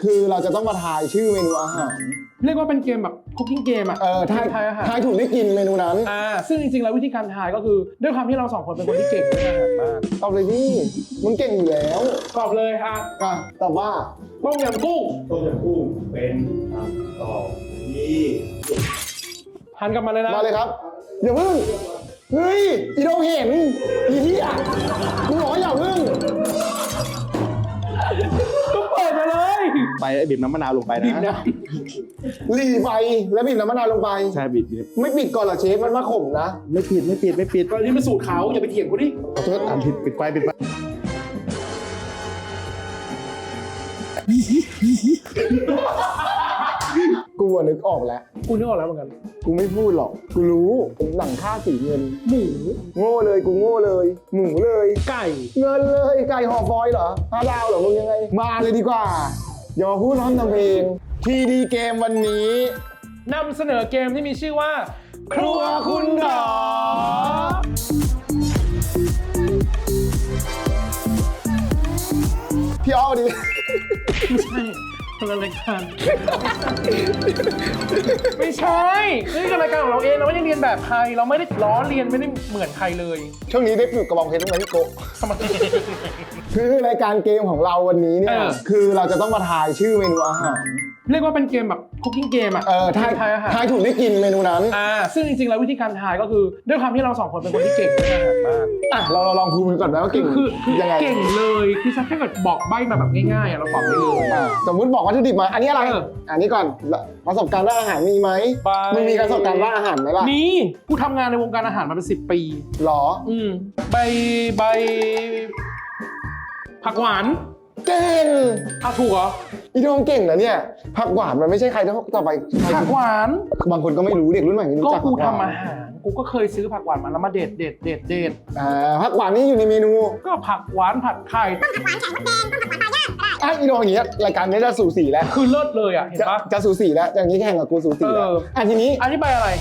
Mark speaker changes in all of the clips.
Speaker 1: คือเราจะต้องมาทายชื่อเมนูอาหาร
Speaker 2: เรียกว่าเป็นเกมแบบคุกกิ้งเกมอ่ะ
Speaker 1: ทาย
Speaker 2: อาหาร
Speaker 1: ทายถูกได้กินเมนูนั้น
Speaker 2: ซึ่งจริงๆแล้ววิธีการทายก็คือด้วยความที่เราสองคนเป็นคนที่เก่งเรื่องอาหารมาก
Speaker 1: ตอบเลยพี่มึงเก่งอยู่แล้ว
Speaker 2: ตอบเลย
Speaker 1: ตอบว่า
Speaker 2: ต้มยำกุ้ง
Speaker 3: เป็นคำตอบที่
Speaker 2: หันกลับมาเลยนะ
Speaker 1: มาเลยครับอย่าเพิ่งเฮ้ยอีโดเห็นอีเหี้ยมึงบอกว่าอย่าเพิ่ง
Speaker 2: ก็เปิดมาเลย
Speaker 3: ไปบีบน้ำมะนาวลงไปนะ
Speaker 1: หลีไปแล้วบีบน้ำมะนาวลงไป
Speaker 3: ใช่บีบ
Speaker 1: ไม่ปิดก่อนเหรอเชฟมันมาข่มนะ
Speaker 3: ไม่ปิด
Speaker 2: ตอนนี้มันสูตรเขาอย่าไปเถียงกูดิ
Speaker 3: ขอโทษปิดไฟ
Speaker 1: กูนึกออกแล้ว
Speaker 2: กูนึกออกแล้วเหมือนกัน
Speaker 1: กูไม่พูดหรอกกูรู้หนังค่าสีเงิน
Speaker 2: หมู
Speaker 1: โง่เลยกูโง่เลยหมูเลย
Speaker 2: ไก่
Speaker 1: เงินเลยไก่ห่อฟอยล์เหรอ5 ดาวเหรอมึงยังไงมาเลยดีกว่าอย่ามาพูดน้อมทำเพลงทีดีเกมวันนี้
Speaker 2: นำเสนอเกมที่มีชื่อว่าครัวคุณหรอ
Speaker 1: พี่อ้อดิ
Speaker 2: ไม่ใช่คนละรายการไม่ใช่นี่คือรายการของเราเองเราไม่ได้เรียนแบบใครเราไม่ได้ล้อเลียนไม่ได้เหมือนใครเลย
Speaker 1: ช่วงนี้ได้ปลูกกระบองเพชรบ้างไหมพี่โก
Speaker 2: ทำไม
Speaker 1: คือรายการเกมของเราวันนี้เนี่ยคือเราจะต้องมาทายชื่อเมนูอาหาร
Speaker 2: เรียกว่าเป็นเกมแบบคุกกิ้งเกมอ่ะ
Speaker 1: ทายถูกได้กินเมนูนั้น
Speaker 2: ซึ่งจริงๆแล้ววิธีการทายก็คือด้วยความที่เราสองคนเป็นคนที่เก่งเรื่องอาหารมาก
Speaker 1: เราลองพูดกันก่อนนะว่าเก่ง
Speaker 2: คือ
Speaker 1: ยังไง
Speaker 2: เก่งเลยคือถ้าเกิดบอกใบ้มาแบบง่ายๆเราตอบได้เลย
Speaker 1: สมมุติบอกวัตถุดิบมาอันนี้อะไรอันนี้ก่อนประสบการณ์ด้านอาหารมีไหมมึงมีประสบการณ์ด้านอาหารไหมล่ะ
Speaker 2: มีกูทำงานในวงการอาหารมาเป็น10 ปี
Speaker 1: หรอ
Speaker 2: ใบผักหวาน
Speaker 1: เก่ง
Speaker 2: ถูกเหรอ
Speaker 1: อีโดงเก่งนะเนี่ยผักหวานมันไม่ใช่ใครต่อไป
Speaker 2: ผักหวาน
Speaker 1: บางคนก็ไม่รู้เด็กรุ่นใหม่ไม่รู้จัก
Speaker 2: ก็กูทำอาหารกูก็เคยซื้อผักหวานมาแล้วมาเด็ด
Speaker 1: ผักหวานนี่อยู่ในเมนู
Speaker 2: ก็ผักหวานผัดไข่
Speaker 1: ต้มผักหวานไข่มดแดงต้มผักหวานปลาย่างอีโดงอย่างเงี้ยรายการนี้จะสูสีแล้ว
Speaker 2: คือเลิศเลยเห็นปะ
Speaker 1: จะสูสีแล้วอย่างนี้แข่งกับกูสูสีแล้วทีนี้
Speaker 2: อันนี้ใบอะไร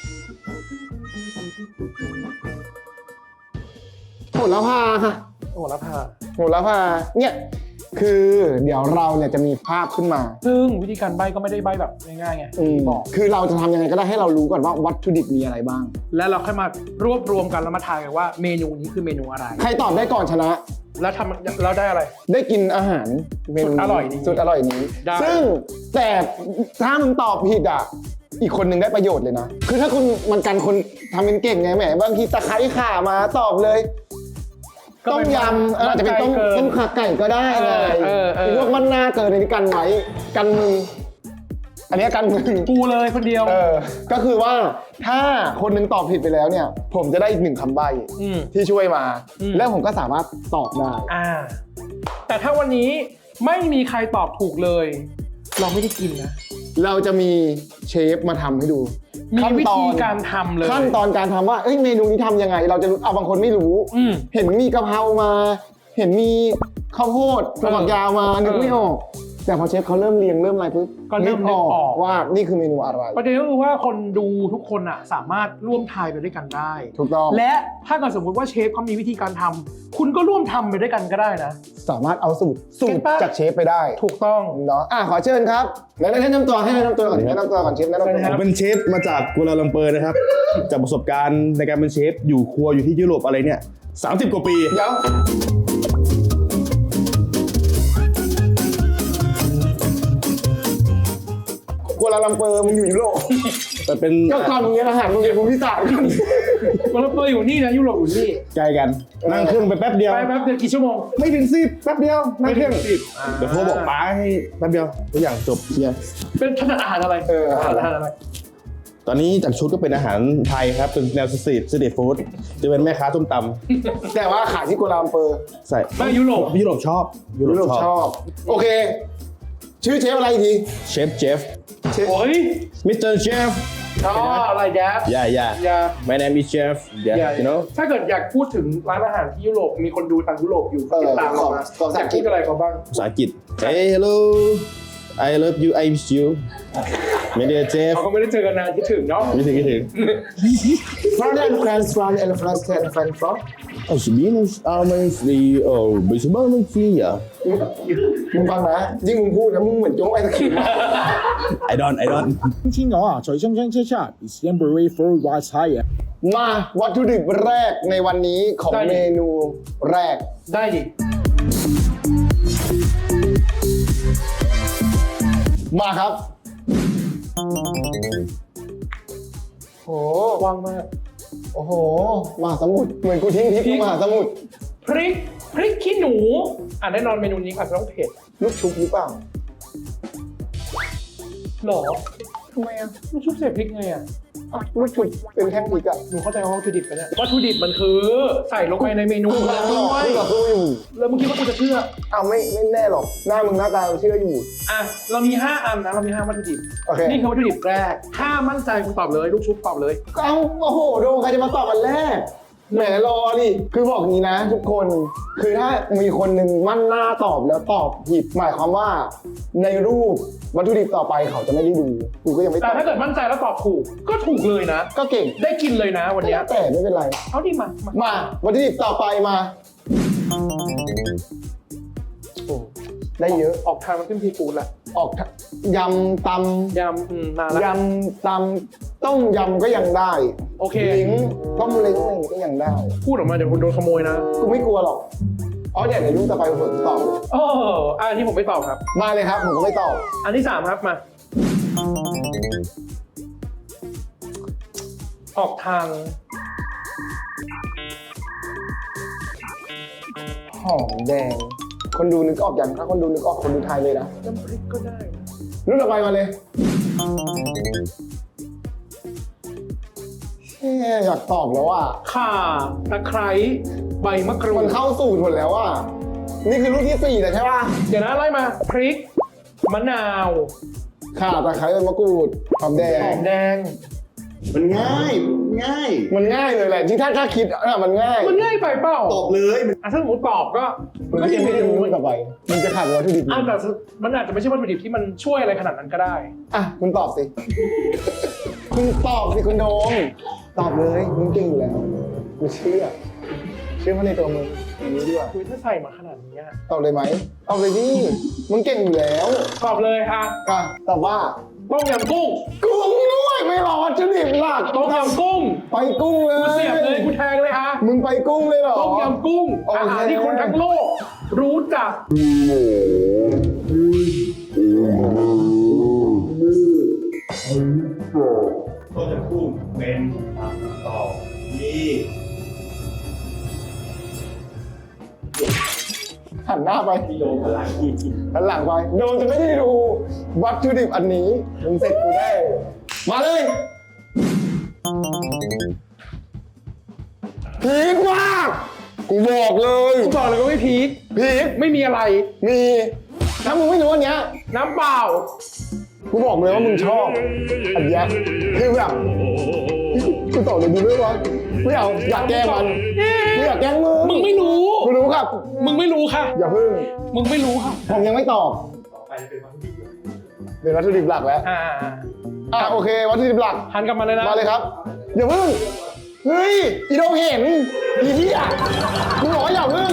Speaker 1: โหระพาค่ะ
Speaker 2: โหระ
Speaker 1: พาเนี่ยคือเดี๋ยวเราเนี่ยจะมีภาพขึ้นมา
Speaker 2: ซึ่งวิธีการใบก็ไม่ได้ใบแบบง่ายๆไง
Speaker 1: บอกคือเราจะทำยังไงก็ได้ให้เรารู้ก่อนว่าวัตถุดิบมีอะไรบ้าง
Speaker 2: แล้วเราค่อยมารวบรวมกันแล้วมาทายกันว่าเมนูนี้คือเมนูอะไร
Speaker 1: ใครตอบได้ก่อนชนะ
Speaker 2: แล้วเราได้อะไร
Speaker 1: ได้กินอาหารเมนู
Speaker 2: อร่อย
Speaker 1: สุดอร่อยนี้ซึ่งแต่ถ้ามึงตอบผิดอีกคนหนึ่งได้ประโยชน์เลยนะคือถ้าคุณมันกันคนทำเป็นเก่งไงแหมบางทีตะไคร้ข่ามาตอบเลยต้มยำอาจจะเป็นต้มขาไก่ก็ได้เลยพวกมันหน้าเกินในนี้กันไว้กันมึงอันนี้กันมึง
Speaker 2: กูเลยคนเดียว
Speaker 1: ก็คือว่าถ้าคนนึงตอบผิดไปแล้วเนี่ยผมจะได้อีก1 คำใบ้ที่ช่วยมาแล้วผมก็สามารถตอบได้
Speaker 2: แต่ถ้าวันนี้ไม่มีใครตอบถูกเลยเราไม่ได้กินนะ
Speaker 1: เราจะมีเชฟมาทำให้ดู
Speaker 2: มีวิธีการทำเลย
Speaker 1: ขั้นตอนการทำว่าเมนูนี้ทำยังไงเราจะรู้บางคนไม่รู้เห็นมีกะเพรามาเห็นมีข้าวโพดฝักยาวมานึกไม่ออกแต่พอเชฟเขาเริ่มเรียงเริ่มอะไรปุ๊บ
Speaker 2: ก็เริ่มนึกออก
Speaker 1: ว่านี่คือเมนูอะไร
Speaker 2: ประเด็นก็คือว่าคนดูทุกคนสามารถร่วมทายไปด้วยกันได้
Speaker 1: ถูกต้อง
Speaker 2: และถ้าเกิดสมมุติว่าเชฟเขามีวิธีการทำคุณก็ร่วมทำไปด้วยกันก็ได้นะ
Speaker 1: สามารถเอาสูตรจากเชฟไปได้
Speaker 2: ถูกต้อง
Speaker 1: เนาะขอเชิญครับแนะนำตัวให้แนะนำตัวก่อนเชฟแนะนำตัว
Speaker 3: ผมเป็นเชฟมาจากกัวลาลัมเปอร์นะครับจากประสบการณ์ในการเป็นเชฟอยู่ครัวอยู่ที่ยุโรปอะไรเนี่ย30 กว่าปี
Speaker 1: เดี๋ยวกัวลาลัมเปอร์มึงอยู่ยุโรป
Speaker 3: แต่เป็น
Speaker 1: ก็ก่อนมึงเรียนอาหารมึงเรียนภูมิศาสตร์กัน
Speaker 2: กัวลาลัมเปอร์อยู่นี่นะยุโรปอยู่นี่
Speaker 3: ใกล้กันนั่งเครื่องไปแป๊บเดียว
Speaker 2: กี่ชั่วโมง
Speaker 3: ไม่ถึง10แป๊บเดียวนั่งเครื่อง10เดี๋ยวโทรบอกป้าให้แป๊บเดียวทุกอย่างจบเนี่ย
Speaker 2: เป็นถนัดอาหารอะไรอาหารอะไร
Speaker 3: ตอนนี้จากชุดก็เป็นอาหารไทยครับเป็นแนวสตรีทฟู้ดจะเป็นแม่ค้าส้มตำ
Speaker 1: แต่ว่าขายที่กัวลาลัมเปอร์
Speaker 3: ใช่
Speaker 2: ไม่ยุโรป
Speaker 3: ชอบ
Speaker 1: โอเคชื่อเชฟอะไรที
Speaker 3: เชฟ
Speaker 2: โอ้ย
Speaker 3: มิสเตอร์เชฟ
Speaker 2: อะไรแจ๊บ
Speaker 3: My name is Chef you know
Speaker 2: ถ้าเกิดอยากพูดถึงร้านอาหารที่ยุโรปมีคนดูต่างยุโรปอยู่ติดตามเรานะอยากพูดอะไรเขาบ้าง
Speaker 3: ภาษาอังกฤษ Hey hello I love you I miss you ไม่ได้เจฟ
Speaker 2: เขาก็ไม่ได้เจอกันนานคิดถึงเนาะ
Speaker 3: คิดถึง
Speaker 1: France and France and France
Speaker 3: Als minus almond-free, bezwaarlijk-free, ja.
Speaker 1: มึงฟังนะยิ่งมึงพูดนะมึงเหมือนโจ๊กไอ้ตะขิด
Speaker 3: I don't.
Speaker 4: 天鵝啊，在深圳車站 is temporary for white tire。
Speaker 1: มาวัตถุดิบแรกในวันนี้ของ
Speaker 2: ได้ดิ
Speaker 1: เมนูแรก
Speaker 2: ได้ดิ
Speaker 1: มาครับโอ้
Speaker 2: ว่างมาก
Speaker 1: โอ้โหมหาสมุทรเหมือนกูทิ้งทิพย์มหาสมุทร
Speaker 2: พริกขี้หนูแน่นอนเมนูนี้อาจจะต้องเผ็ด
Speaker 1: ลูกชุบหรือเปล่า
Speaker 2: หรอ
Speaker 1: ทำไมอ่ะ
Speaker 2: ลูกชุบเสพพริกไงอ่ะ
Speaker 1: ลูกชุบเป็นแท่งพริกอ่ะ
Speaker 2: หนูเข้าใจว่าวัตถุดิบไปเนี่ยวัตถุดิบมันคือใส่ลงไปในเมนู
Speaker 1: กู
Speaker 2: แล้ว
Speaker 1: ก็
Speaker 2: ด้วย
Speaker 1: อยู่
Speaker 2: แล้วมึงคิดว่ากูจะเชื่อ
Speaker 1: เอาไม่แน่หรอกหน้ามึงหน้าตาเชื่ออยู่
Speaker 2: อ่ะเรามี 5 อันนะเรามี 5 วัตถุดิบ
Speaker 1: โอเค
Speaker 2: นี่คือวัตถุดิบแรก ถ้ามั่นใจคุณตอบเลย ลูกชุบตอบเลย
Speaker 1: เอาโอ้โหโดใครจะมาตอบอันแรกแหมรอดิคือบอกอย่างนี้นะ ทุกคนคือถ้ามีคนหนึ่งมั่นหน้าตอบแล้วตอบผิดหมายความว่าในรูปวัตถุดิบต่อไปเขาจะไม่ได้ดูกูก็ยังไม่ต
Speaker 2: แต่
Speaker 1: อบ
Speaker 2: ถ้าเกิดมั่นใจแล้วตอบถูก ก็ถูกเลยนะ
Speaker 1: ก็เก่ง
Speaker 2: ได้กินเลยนะวันเนี้ย
Speaker 1: แต่ไม่เป็นไร
Speaker 2: เอาดิมา
Speaker 1: มาวัตถุดิบต่อไปมาโอ้ได้เยอะ
Speaker 2: ออกทางมันขึ้นพีกูดละ
Speaker 1: ออกยำต
Speaker 2: ยำนาน
Speaker 1: ำ
Speaker 2: ละ
Speaker 1: ยำตำต้มยำก็ยังได้
Speaker 2: โอเค
Speaker 1: เล้งต้มเล้งอะไรอย่างงี้ก็ยังได้
Speaker 2: พูดออกมาเดี๋ยวคุณโดนขโมยนะ
Speaker 1: กูไม่กลัวหรอกอ๋อเดี๋ยวรูปต่อไปผมตอบเลย
Speaker 2: โอ้อันนี้ผมไม่ตอบครับ
Speaker 1: มาเลยครับผมก็ไม่ตอบ
Speaker 2: อันที่ 3 ครับมา ออกทาง
Speaker 1: หอมแดง คนดูนึกออกยังถ้าคนดูนึกออกคนดูไทยเลยนะ
Speaker 2: น้ำพริกก็ได้นะ
Speaker 1: รุ่นต่อไปมาเลยเฮ้ยอยากตอบแล้วอ่ะ
Speaker 2: ข่าตะไคร้ใบมะกรู
Speaker 1: มั
Speaker 2: ด
Speaker 1: นเข้าสูตรหมดแล้วอ่ะนี่คือรุ่นที่4แล้วใช่ป่ะ
Speaker 2: เดี๋ยวนะไล่มา พริก มะนาว
Speaker 1: ข่าตะไคร้ใบมะกรูดหอมแด
Speaker 2: หอง มแดง
Speaker 3: มันง่าย
Speaker 1: มันง่ายเลยแหละที่ถ้าคิดอ่ะมันง่าย
Speaker 2: มันง่ายไปเปล่า
Speaker 3: ตอบเลย
Speaker 2: อ่ะถ้าสมมติตอบก็
Speaker 1: มันก็ยังไม่ได้รู้ต่อไปมันจะขาดวัตถุดิบ
Speaker 2: อ่ะแต่มันอาจจะไม่ใช่วัตถุดิบที่มันช่วยอะไรขนาดนั้นก็ได้
Speaker 1: อ่ะคุณตอบสิ คุณตอบสิคุณโดมตอบเลยมึงเก่งอยู่แล้วกูเชื่อมั่นในตัวมึงอย่างนี้ดีกว่า
Speaker 2: คุยถ้าใส่มาขนาดนี้อะ
Speaker 1: ตอบเลยไหมตอบเลยดิมึงเก่งอยู่แล้ว
Speaker 2: ตอบเลยอ่ะ
Speaker 1: อ่ะตอบว่า
Speaker 2: ต้มยำกุ้ง
Speaker 1: กุ้งด้วยไม่รอวัตถุดิบหลัก
Speaker 2: ต้มยำกุ้ง
Speaker 1: ไปกุ้งเล
Speaker 2: กู
Speaker 1: ย
Speaker 2: เสียบเลยกูแทงเลยอ่ะ
Speaker 1: มึงไปกุ้งเลยเหรอ
Speaker 2: ต้มยำกุ้ง
Speaker 1: โอเค
Speaker 2: อาหารที่คนทั้งโลก รู้จัก
Speaker 3: ต้นจะคู่เป็นคำตอบที่
Speaker 1: หันหน้าไป
Speaker 3: โดนพลังที่
Speaker 1: หันหลังไปโดนจะไม่ได้ดูวัตถุดิบอันนี้มึงเสร็จกูได้มาเลยพีคมากกูบอกเลย
Speaker 2: กูบอกเลยว่าไม่พีค
Speaker 1: พีค
Speaker 2: ไม่มีอะไร
Speaker 1: มีถ้ามึงไม่รู้อันเนี้ย
Speaker 2: น้ำเปล่า
Speaker 1: กูบอกเลยว่ามึงชอบอันเนี้ยคือแบบกูตอบเลยดีด้วยวะไม่เอาอยากแกล้งมันไม่อยากแกล้งมึง
Speaker 2: มึงไม่รู้
Speaker 1: กูรู้ครับ
Speaker 2: มึงไม่รู้ค่ะ
Speaker 1: อย่าพึ่ง
Speaker 2: มึงไม่รู้ค่ะ
Speaker 1: ผมยังไม่ตอบเป็นวัตถุดิบหลักแล้ว
Speaker 2: อ่า
Speaker 1: โอเควัตถุดิบหลัก
Speaker 2: หันกลับมาเลยนะ
Speaker 1: มาเลยครับอย่าพึ่งเฮ้ยอีโดมเห็นอีเหี้ยมึงบอกว่าอย่าพึ่ง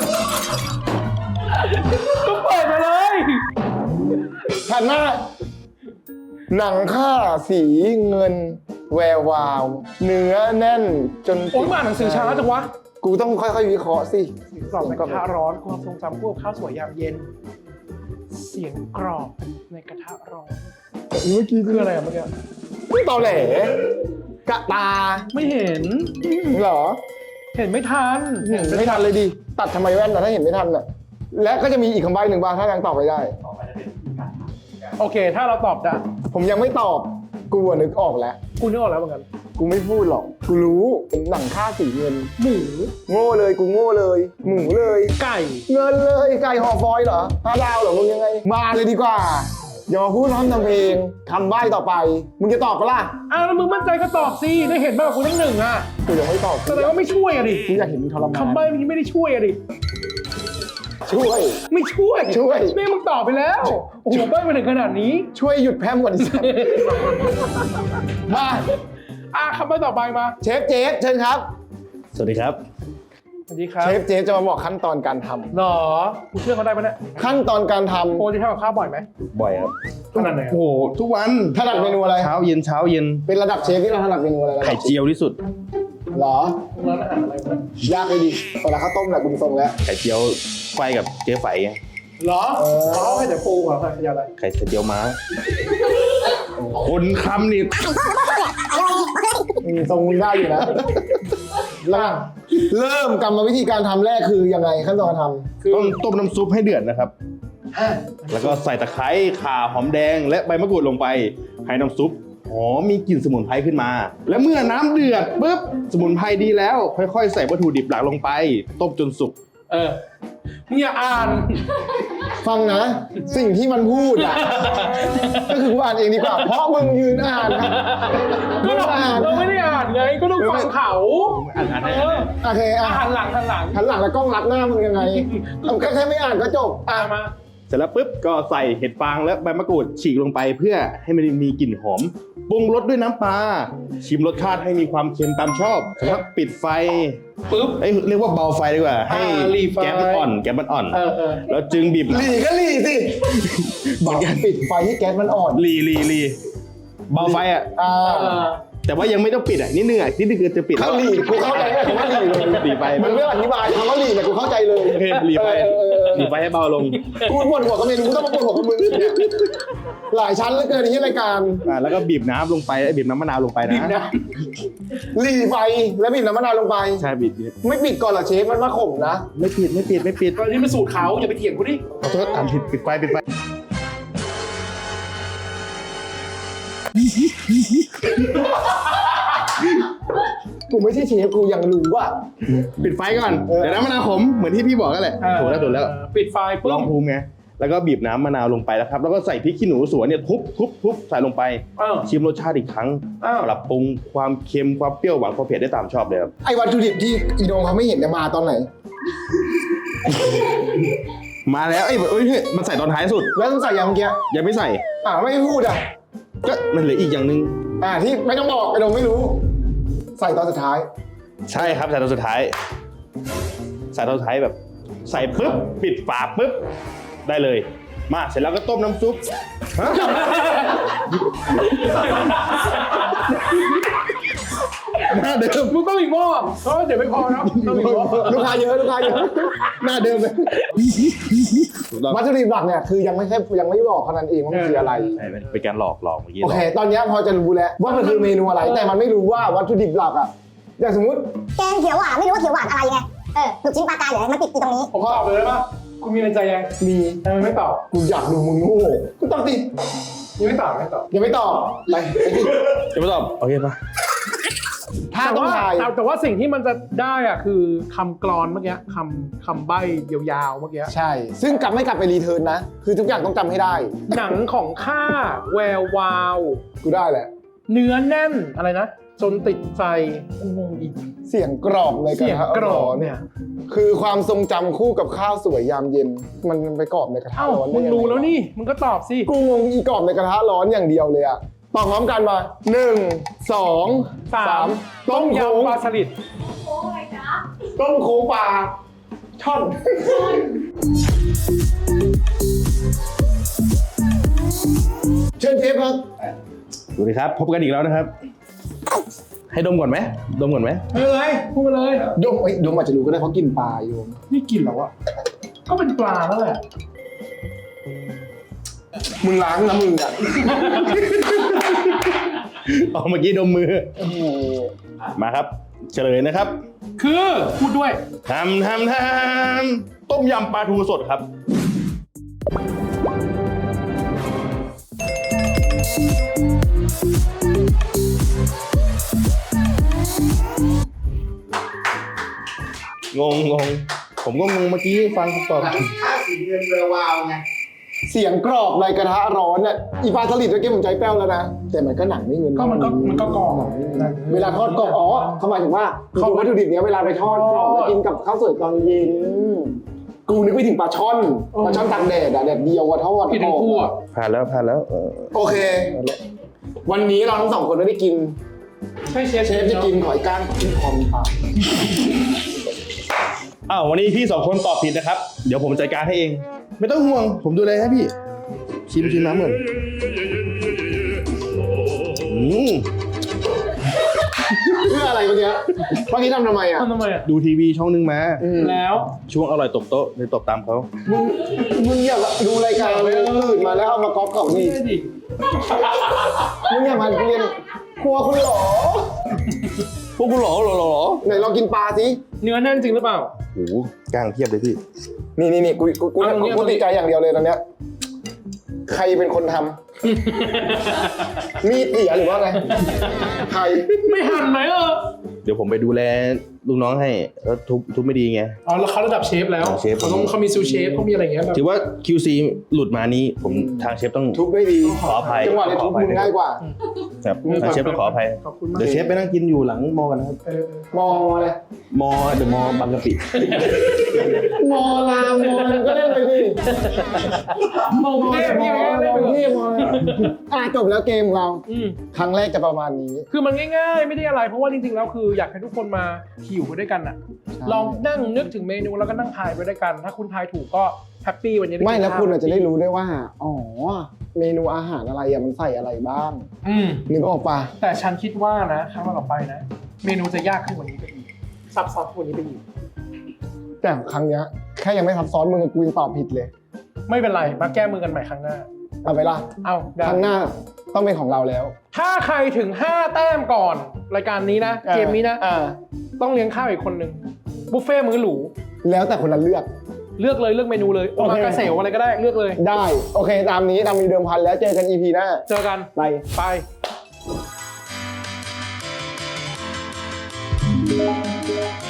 Speaker 2: ก็เปิดมาเลย
Speaker 1: หันหน้าหนังค่าสีเงิน แวววาว เนื้อแน่นจน
Speaker 2: โอ้ยมาหนังสือช้าจังวะ
Speaker 1: กูต้องค่อยๆวิเคราะห์สิ
Speaker 2: กรอบในกระทะร้อนความทรงจำคู่กับข้าวสวยยามเย็น เสียงกรอบในกระทะร้อน
Speaker 1: เมื่อกี้
Speaker 2: คืออะไรอะเมื่อกี้
Speaker 1: ไม่ตอแหลกะตา
Speaker 2: ไม่เห็น
Speaker 1: เหรอ
Speaker 2: เห็นไม่ทัน
Speaker 1: เห็นไม่ทันเลยดิตัดทำไมแว่นแต่ถ้าเห็นไม่ทันน่ะและก็จะมีอีกคำใบ้หนึ่งบ้างถ้ายังตอบไม่ได้
Speaker 2: โอเค ถ้าเราตอบได้
Speaker 1: ผมยังไม่ตอบกูอะนึกออกแล้ว
Speaker 2: กูนึกออกแล้วเหมือนกัน
Speaker 1: กูไม่พูดหรอกกูรู้เป็นหนังค่าสีเงิน
Speaker 2: หมู
Speaker 1: โง่เลยกูโง่เลย หมูเลย
Speaker 2: ไก่
Speaker 1: เงินเลยไก่ห่อฟอยล์เหรอ5 ดาวเหรอมึงยังไง มาเลยดีกว่าอย่ามาพูดพร้อมทำเพลงคำใบ้ต่อไป มึงจะตอบปะล่ะ
Speaker 2: อ้าวแล้วมึงมั่นใจก็ตอบสิได้เห็นบ้างกูทั้งหนึ่งอ่ะ
Speaker 1: กูยังไม่ตอบ
Speaker 2: แสดงว่าไม่ช่วยอะดิ
Speaker 1: กูอยากเห็นมึงทรมาน
Speaker 2: คำใบ้เมื่อกี้ไม่ได้ช่วยอะดิ
Speaker 1: ช่วย
Speaker 2: ไม่ช่วย
Speaker 1: ช่วย
Speaker 2: แม่มึงตอบไปแล้ว โอ้โหใบ้มาถึงขนาดนี้
Speaker 1: ช่วยหยุดแพร่มก่อนดิสัตว์มา
Speaker 2: คำใบ้ต่อไปมา
Speaker 1: เชฟเจฟเชิญครับ
Speaker 3: สวัสดีครับ
Speaker 2: สวัสดีครับ
Speaker 1: เชฟจะมาบอกขั้นตอนการทำ
Speaker 2: หรอกูเชื่อเขาได้ปะเนี่ย
Speaker 1: ขั้นตอนการท
Speaker 2: โปรที่ทำกับข้าวบ่อยไหม
Speaker 3: บ่อยครับ
Speaker 2: ขนาดไหนอะ
Speaker 3: โอ้โหทุกวัน
Speaker 1: ำถนัดเมนูอะไร
Speaker 3: เช้าเย็น
Speaker 1: เป็นระดับเชฟที่เราถนัดเมนูอะไรระดับ
Speaker 3: ไข่เจียวที่สุด
Speaker 1: เหรอ
Speaker 2: ร้านอาหารอะไรวะ
Speaker 1: ยากเลยดิเวลาข้าวต้มแหละคุณทรงแล้ว
Speaker 3: ไข่เจียวไฟกับเจ๊ไฝไง
Speaker 2: หรอเขาให้แต่ปูเหรอใครจะอะไร
Speaker 3: ไข่เจียวม้าคนคำนี่
Speaker 1: ทรงมึงได้อยู่นะแล้วเริ่มกรรมวิธีการทำแรกคือยังไงขั้นตอนการทำ
Speaker 3: ต้องต้มน้ำซุปให้เดือดนะครับ แล้วก็ใส่ตะไคร้ข่าหอมแดงและใบมะกรูดลงไปให้น้ำซุปหอมมีกลิ่นสมุนไพรขึ้นมา และเมื่อน้ำเดือดปุ๊บสมุนไพรดีแล้ว ค่อยๆ ใส่วัตถุดิบหลักลงไปต้มจนสุก
Speaker 2: มึงอย่าอ่าน
Speaker 1: ฟังนะ สิ่งที่มันพูดอ่ะ ก็คือกูอ่านเองดีกว่า เพราะมึงยืนอ่านนะ
Speaker 2: ก็เราไม่ได้อ่านไงก็ต้องฟังเขา
Speaker 3: อ่านให้
Speaker 1: โอเคอ่ะ
Speaker 2: หันหลัง
Speaker 1: หันหลังแล้วกล้องรับหน้ามึงยังไงก็แค่ไม่อ่านก็จบอ่ะ
Speaker 2: มา
Speaker 3: เสร็จแล้วปุ๊บก็ใส่เห็ดฟางและใบมะกรูดฉีกลงไปเพื่อให้มันมีกลิ่นหอมปรุงรสด้วยน้ำปลาชิมรสชาติให้มีความเค็มตามชอบเสร็จแล้วปิดไฟ
Speaker 2: ปุ๊บ
Speaker 3: เรียกว่าเบาไฟดีกว่า ให้
Speaker 2: หลีไฟ
Speaker 3: แก๊สมันอ่อน
Speaker 2: เออ
Speaker 3: แล้วจึงบีบ
Speaker 1: หลีก็หลีสิบอกปิดไฟที่แก๊สมันอ่อน
Speaker 3: หลีเบาไฟอ่ะ แต่ว่ายังไม่ต้องปิดอ่ะนิดนึงคือจะปิด
Speaker 1: เข้าหลีกูเข้าใจแล้วคำว่าหลีเลย
Speaker 3: หลีไฟ
Speaker 1: มันไม่อธิบายคำว่าหลีแต่กูเข้าใจเลย
Speaker 3: โอเคหลีไฟให้เบาลง
Speaker 1: กูปวดหัวกับเมนูกูต้องมาปวดหัวกับมึงเนี่ยหลายชั้นเหลือเกินที่รายการ
Speaker 3: แล้วก็บีบน้ำลงไปบีบน้ำมะนาวลงไปนะ
Speaker 1: หลีไฟแล้วบีบน้ำมะนาวลงไป
Speaker 3: ใช่บีบ
Speaker 1: ไม่ปิดก่อนเหรอเชฟมันมาข่มนะ
Speaker 3: ไม่ปิด
Speaker 2: ตอนนี้เป็นสูตรเขาอย่าไปเถียงกูดิ
Speaker 3: ขอโทษอ่านผิดปิดไฟ
Speaker 1: กูไม่ใช่เชฟกูยังรู้ว่า
Speaker 3: ปิดไฟก่อนเดี๋ยวน้ำมะนาวขมเหมือนที่พี่บอกกันแหละถูกแล้ว
Speaker 2: ปิดไฟปุ๊
Speaker 3: ล
Speaker 2: บ
Speaker 3: องภูมิไงแล้วก็บีบน้ำมะนาวลงไปแล้วครับแล้วก็ใส่พริกขี้หนูสวนเนี่ยทุบใส่ลงไปชิมรสชาติอีกครั้งปรับปรุงความเค็มความเปรี้ยวหวานความเผ็ดได้ตามชอบเลยครับ
Speaker 1: ไอ้วัตถุดิบที่อีโดงเขาไม่เห็นเนี่ยมาตอนไหน
Speaker 3: มาแล้วเฮ้ยมันใส่ตอนท้ายสุด
Speaker 1: แล้วต้องใส่ยังเมื่อกี้
Speaker 3: ยังไม่ใส่
Speaker 1: ไม่พูดอ่ะ
Speaker 3: ก็มันเหลืออีกอย่างหนึ่ง
Speaker 1: ที่ไม่ต้องบอกไอ้โดงไม่รู้ ใส่ตอนสุดท้าย
Speaker 3: ใช่ครับใส่ตอนสุดท้ายแบบใส่ปุ๊บปิดฝาปุ๊บได้เลยมาเสร็จแล้วก็ต้มน้ำซุปหน้าเดิม
Speaker 2: มึงต้องอีกหม้อเดี๋ยวไม่พอนะต้องอีกหม้อ
Speaker 1: ลูกค้าเยอะหน้าเดิมเลยวัตถุดิบหลักเนี่ยคือยังไม่บอกเท่านั้นเองว่ามันคืออะไร
Speaker 3: ใช่เป็นการหลอกเมื่อกี้
Speaker 1: โอเค ตอนนี้พอจะรู้แล้วว่ามันคือเมนูอะไร แต่มันไม่รู้ว่าวัตถุดิบหลักอ่ะอย่างสมมติ
Speaker 5: แกงเขียวหวานไม่รู้ว่าเขียวหวานอะไรไงลูกชิ้นปลากายเดี๋ยวมันติดอยู่ตรงนี้
Speaker 2: ผมตอบเลยได้ปะกูมีในใจยัง
Speaker 1: มี
Speaker 2: ทำไมไม่ตอบ
Speaker 1: กูอยากดูมึงโง่กูตอบดิ
Speaker 2: ยังไม่ตอบ
Speaker 1: ยังไม่ตอบไปดิ
Speaker 3: จะไม่ตอบโอเคปะ
Speaker 1: ถ้าต้องทาย
Speaker 2: แต่ว่าสิ่งที่มันจะได้อะคือคำกรอนเมื่อกี้คำใบ้ยาวๆเมื่อกี้
Speaker 1: ใช่ ซึ่งไม่กลับไปรีเทิร์นนะ คือทุกอย่างต้องจำให้ได้
Speaker 2: หนังของข้าแวววาว
Speaker 1: กูได้แหละ
Speaker 2: เนื้อแน่นอะไรนะ จนติดใจงงอีก
Speaker 1: เสียงกรอบในกระ
Speaker 2: เสียง
Speaker 1: ทะ
Speaker 2: กร
Speaker 1: ร้
Speaker 2: อ
Speaker 1: อบ น
Speaker 2: เนี่ย
Speaker 1: คือความทรงจำคู่กับข้าวสวยยามเย็น มันไปกรอบในกระทะ
Speaker 2: เอ้า
Speaker 1: ร้อน
Speaker 2: มึ
Speaker 1: ได้
Speaker 2: ง
Speaker 1: ยังไง
Speaker 2: รู้แล้วนี่มึงก็ตอบสิ
Speaker 1: กูงงอีกรอบในกระทะร้อนอย่างเดียวเลยอะตอบพร้อมกันมา1 2 3ต้ม
Speaker 2: ยำ
Speaker 1: โค้ง
Speaker 2: ปลาสลิด
Speaker 1: ต้มโค้งปลาช่อนเชิญเชฟครับ
Speaker 3: สวัสดีครับพบกันอีกแล้วนะครับ ให้ดมก่อนไหม
Speaker 2: ไม่เป็นไรพูดมาเลย
Speaker 1: โยมโยมอาจจะรู้ก็ได้เพราะกินปลาโยม
Speaker 2: นี่กินแล้วอะก็เป็นปลาแล้วแหละ
Speaker 1: มึงล้างนะมึงอ่ะ
Speaker 3: อ๋อเมื่อกี้ดมมือ มาครับ เฉลยนะครับ
Speaker 2: คือพูดด้วย
Speaker 3: ทำต้มยำปลาทูสดครับ งงผมก็งงเมื่อกี้ฟังคำตอบ
Speaker 1: ค่าสีเงินแวววาวไงเสียงกรอบในกระทะร้อนเนี่ยอีปลาสลิดเมื่อกี้ผมใจแป้วแล้วนะแต่มันก็หนังไม่เงิน
Speaker 2: ก็มันก็กรอบ
Speaker 1: เวลาทอดกรอบเขาหมายถึงว่าเขาวัตถุดิบเนี้ยเวลาไปทอดกรอบแล้วกินกับข้าวสวยตอนเย็นกูนึกไปถึงปลาช่อนตากแดดอะแดดเดียวอะทอด
Speaker 2: ผิดทั้งคู่อะ
Speaker 3: ผ่านแล้ว
Speaker 1: โอเค วันนี้เราทั้งสองคนไม่ได้กิน
Speaker 2: ใช่เชฟ
Speaker 1: เชฟจะกินหอยก้างที่คอมปลา
Speaker 3: อ้าววันนี้พี่2คนตอบผิดนะครับ เดี๋ยวผมจัดการให้เอง ไม่ต้องห่วง ผมดูแลให้พี่ ชิมน้ำเหมือน
Speaker 1: เพื่ออะไรเมื่อกี้เมื่อกี้ทำไมอ่ะ
Speaker 2: ทำไมอ่ะ
Speaker 3: ดูทีวีช่องนึงมา
Speaker 2: แล้ว
Speaker 3: ช่วงอร่อยตบโต๊ะเลยตบตามเขา
Speaker 1: มึงอย่าดูรายการตื่นมาแล้วเอามาก๊อปเขานี่
Speaker 2: ไม่ดิ
Speaker 1: มึงอย่ามาเรียนครัวคุณหรอ
Speaker 3: พวกกูหรอ
Speaker 1: ไหนลองกินปลาสิ
Speaker 2: เนื้อแน่นจริงหรือเปล่า
Speaker 3: โอ้โหกล้างเทียบเลยพี่
Speaker 1: นี่กูติดใจอย่างเดียวเลยตอนเนี้ยใครเป็นคนทำ มีดเสียหรือว่าไงใคร
Speaker 2: ไม่หั่นไหม
Speaker 3: เดี๋ยวผมไปดูแลลูกน้องให้แล้วทุบไม่ดีไง
Speaker 2: อ๋อแล้วเขาระดับเชฟแล้ว
Speaker 3: เชฟ
Speaker 2: เขามีซูเชฟเขามีอะไรอย่างเงี้ยแบบ
Speaker 3: ถือว่า QC หลุดมานี้ผมทางเชฟต้อง
Speaker 1: ทุบไม่ดี
Speaker 3: ขออภัย
Speaker 1: จังหวะนี้ทุบมึงง่ายกว่า
Speaker 3: ครับทางเชฟต้องขออภัย
Speaker 2: ขอบคุณมาก
Speaker 3: เดี๋ยวเชฟไปนั่งกินอยู่หลังมอกันนะครับ
Speaker 1: มองอะไร
Speaker 3: มอเดอะมอบางกะปิ
Speaker 1: มอลามอก็เล่นไปดิ
Speaker 2: มองเทพพี่ไม่ได้
Speaker 1: ม
Speaker 2: ไป
Speaker 1: อง
Speaker 2: เถ
Speaker 1: เทพ
Speaker 2: อะ
Speaker 1: มองจบแล้วเกมของเรา
Speaker 2: อืม
Speaker 1: ครั้งแรกจะประมาณนี้
Speaker 2: คือมันง่ายๆ ไม่ได้อะไร เพราะว่าจริงๆ แล้วคืออยากให้ทุกคนมาหิวไปด้วยกันน่ะ ลองนั่งนึกถึงเมนูแล้วก็นั่งทายไปด้วยกัน ถ้าคุณทายถูกก็แฮปปี้วันนี้ด้
Speaker 1: ไม่
Speaker 2: กิน
Speaker 1: แล้ว
Speaker 2: ข้าว
Speaker 1: คุณอาจจะได้รู้ได้ว่า อ๋อ เมนูอาหารอะไรอะมันใส่อะไรบ้าง
Speaker 2: อืม
Speaker 1: นึกออกปะ
Speaker 2: แต่ฉันคิดว่านะครั้งต่อไปนะ เมนูจะยากขึ้นกว่านี้ไปอีกซับซ้อนกว่านี้ไปอีก
Speaker 1: แต่ครั้งเนี้ยแค่ยังไม่ซับซ้อนมึงกับกูยังตอบผิดเลย
Speaker 2: ไม่เป็นไร มาแก้มือกันใหม่ครั้งหน้า
Speaker 1: เอาไปละ
Speaker 2: เอาได้
Speaker 1: ครั้งหน้าต้องเป็นของเราแล้ว
Speaker 2: ถ้าใครถึง 5 แต้มก่อน รายการนี้นะ เกมนี้นะ ต้องเลี้ยงข้าวอีกคนนึง บุฟเฟ่ต์มื้อหรู
Speaker 1: แล้วแต่คนละเลือก
Speaker 2: เลือกเลยเลือกเมนูเลยโอมากาเสวอะไรก็ได้เลือกเลย
Speaker 1: ได้ โอเค ตามนี้ตามมีเดิมพันแล้วเจอกัน EP หน้า
Speaker 2: เจอกัน
Speaker 1: ไป
Speaker 2: ไป